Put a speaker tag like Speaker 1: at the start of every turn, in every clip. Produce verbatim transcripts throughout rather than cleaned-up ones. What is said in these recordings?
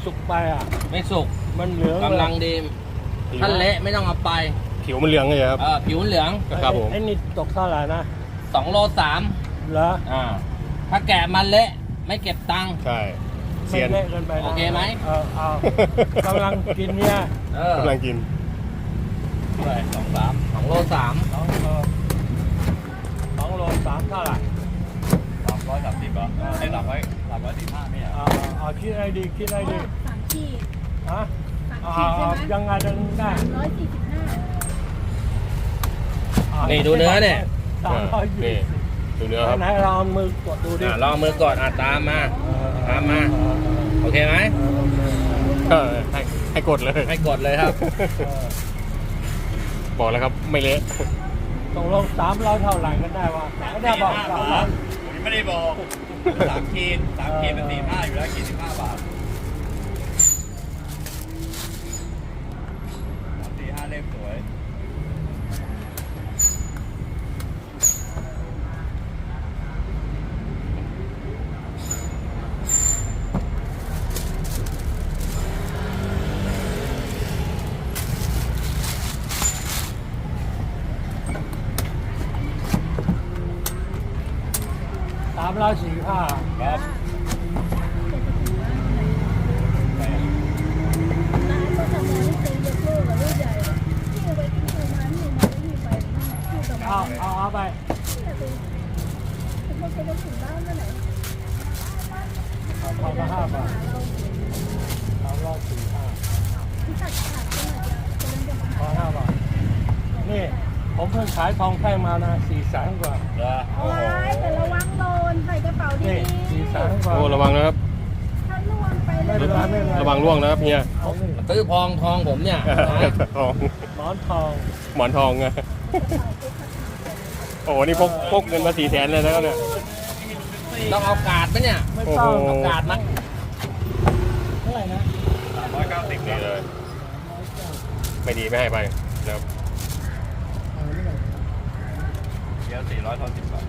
Speaker 1: สุกไปอ่ะ
Speaker 2: ไม่สุก
Speaker 1: มันเหลือง
Speaker 2: กำลังดีถ้าเละไม่ต้องเอาไป
Speaker 3: ผิวมันเหลืองเลยครับ
Speaker 2: เออผิวเหลือง
Speaker 3: ครับผม
Speaker 1: ไอ้นี่ตกเท่าไหร่นะ
Speaker 2: สองโลสาม
Speaker 1: เหรอ
Speaker 2: อ่าถ้าแกะมันเละไม่เก็บตังค์
Speaker 3: ใช่เซียน
Speaker 1: เละเกินไป
Speaker 2: โอเคไหม
Speaker 1: เออเอากำลังกินเนี่ย
Speaker 3: กำลังกิน
Speaker 2: ด้วยสองสามสองโลสาม
Speaker 1: สองโลสองโลสามเท่าไหร่
Speaker 2: สามร้อยสามสิบเหรอไอ้สามร้อยสามร้อยสี่ห้าไม่เหรอ
Speaker 1: เอาเอาคิดอะไรดีคิดอะไรดี
Speaker 4: สามขีด
Speaker 1: ฮะ
Speaker 4: สามขีดใช่ไหม
Speaker 1: ยังไงดังได้
Speaker 4: ร้อยสี่สิบห้า
Speaker 2: นี่ดูเนื้อเนี่ย
Speaker 1: สามร้อยยี่สิบ
Speaker 3: ดูเนื้อครับ
Speaker 1: ไหนลองมือกดดูดิ
Speaker 2: ลองมือกดอ่ะตามมาตามมาโอเคไหม
Speaker 3: ให้ให้กดเลย
Speaker 2: ให้กดเลยครับ
Speaker 3: บอกแล้วครับไม่เละ
Speaker 1: ตกลงสามร้อยเท่าไหร่กันได้วะไม่ได้บอกสามร้อย
Speaker 2: ผมไม่ได้บอกสามขีดสามขีดเป็นสี่ห้าอยู่แล้วขีดสิบห้าบาทสามสี่ห้าเล่มสวย
Speaker 1: สามร้อยสี่ห้า
Speaker 2: ครับ
Speaker 4: ร้านก็ทำงานที่เป็นยกเลิกกับลูกใหญ่ที่เอาไปที่โรงงานที่มาที่ไปที่ตะ
Speaker 1: เอา
Speaker 4: วัน
Speaker 1: เอาเอาไป
Speaker 4: ที่เป็นเขาจะมาถึงบ้านเมื่อไหร่
Speaker 1: เอาพอละห้าบาทสามร้อยสี่ห้า
Speaker 4: ที่ตัดขาดขนาดจะเป็นจะมา
Speaker 1: พอห้าบาทนี่ผมเพิ่งขายทองแท่งมานะสี่แสนกว่า
Speaker 4: เอาไว้แต่ระวังโดนใส่กระเป๋าดีๆ
Speaker 1: สี่แสนกว่า
Speaker 3: โอ้ระวังนะครับ
Speaker 4: ถ้าล่วงไปเลย
Speaker 3: ระวังร่วงนะครับเฮีย
Speaker 2: ซื้อพองทองผมเนี่ย
Speaker 3: ทอง
Speaker 1: หมอนทอง
Speaker 3: หมอนทองไงโอ้นี่พกพกเงินมาสี่แสนเลยนะเนี่ย
Speaker 2: ต้องเอากาดไหมเนี่ย
Speaker 1: ไม่ต้อง
Speaker 2: เอากาดมั้ย
Speaker 1: เท่าไหร่นะ
Speaker 2: สามร้อยเก้าสิบ
Speaker 3: เลยไม่ดีไม่ให้ไปนะครับ
Speaker 2: เดี๋ยวสี่ร้อยเท่าสิบบาท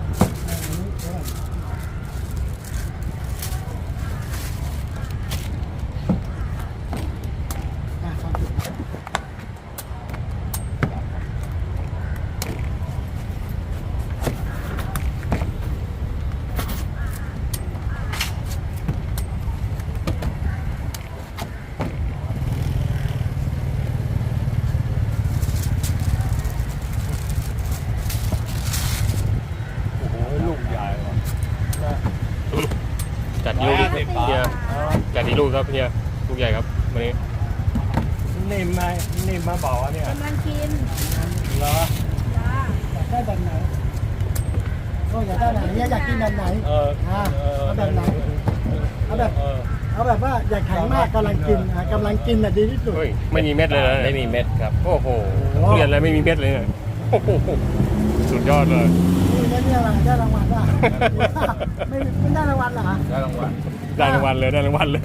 Speaker 3: จัดลูกเฮียจัดดีลูกครับเฮียลูกใหญ่ครับวันนี้
Speaker 1: นิ่มไหมนิ่มมาบอกว่าเนี่ย
Speaker 4: กำลังกิน
Speaker 1: เหรอ
Speaker 4: จ้า
Speaker 5: อยากได้แบบไหนก็อยากได้แบบไหนอยากกินแบบไหน
Speaker 1: เออ
Speaker 5: เอาแบบไหนเอาแบบเอาแบบว่าอยากแข็งมากกำลังกินกำลังกินน่ะดีที่สุด
Speaker 3: ไม่มีเม็ดเลย
Speaker 2: ไม่มีเม็ดครับ
Speaker 3: โอ้โหเรียนอะไรไม่มีเม็ดเลยเนี่ยสุดยอดเลย
Speaker 5: นี่เนี่ยอะไรได้รางวัลป่ะไม่ไม่ได้รางวัลเหรอ
Speaker 2: ได้รางวัล
Speaker 3: ได้รางวัลเลยได้รางวัลเลย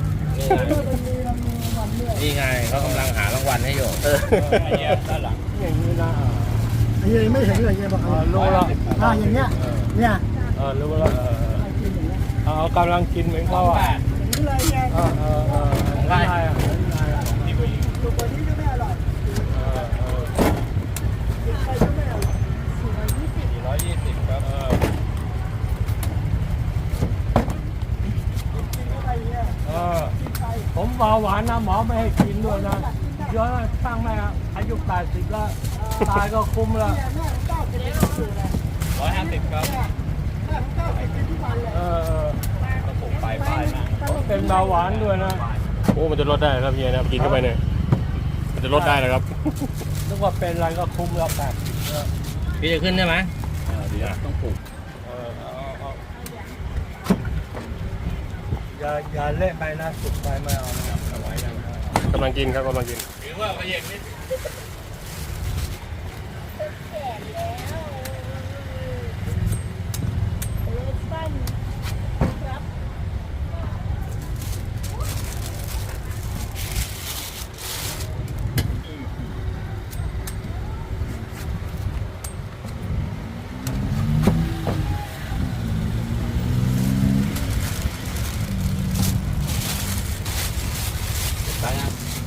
Speaker 2: นี่ไงเขากำลังหารางวัลให้อยู่ไอ้เนี้ยด้านหลัง
Speaker 1: อย่างนี้นะ
Speaker 5: ไอ้เนี้ยไม่เห็นเลยเนี้ยบอก
Speaker 1: รู้แล้ว
Speaker 5: อ่าอย่างเงี้ยเนี่ย
Speaker 1: เออรู้แล้วเอากำลังกินเหมือนเขาอ่ะ
Speaker 5: อย่างนี้เลยไง
Speaker 1: เออเออเออของใครอ่ะ
Speaker 5: ตัวตัวนี้ก็ไม่อร่อยกินไปก็ไม่อร่อย
Speaker 2: สี่ร้อยยี่สิบครับ
Speaker 1: เออผมเบาหวานนะหมอไม่ให้กินด้วยนะเยอะช่างแม่อายุแปดสิบแล้วตายก็คุ้มแล้ว
Speaker 2: ร้อยห้าสิบครับ
Speaker 1: เออ
Speaker 2: ผมไปไปนะ
Speaker 1: เป็นเบาหวานด้วยนะ
Speaker 3: โอ้มันจะลดได้ครับเฮียนะกินเข้าไปเนี่ยมันจะลดได้นะครับ
Speaker 1: นึกว่าเป็นอะไรก็คุ้มแล้วแปดสิบ
Speaker 2: พี่จะขึ้นใช่ไหมเดี๋ยวต้องปลูก
Speaker 1: อย่าอย่าเละไปนะสุกไปไม่เอานะครับเอาไว้นะ
Speaker 3: กำลังกินครับกำลังกิน
Speaker 2: ถือว่าประหยัดนิดไปนะ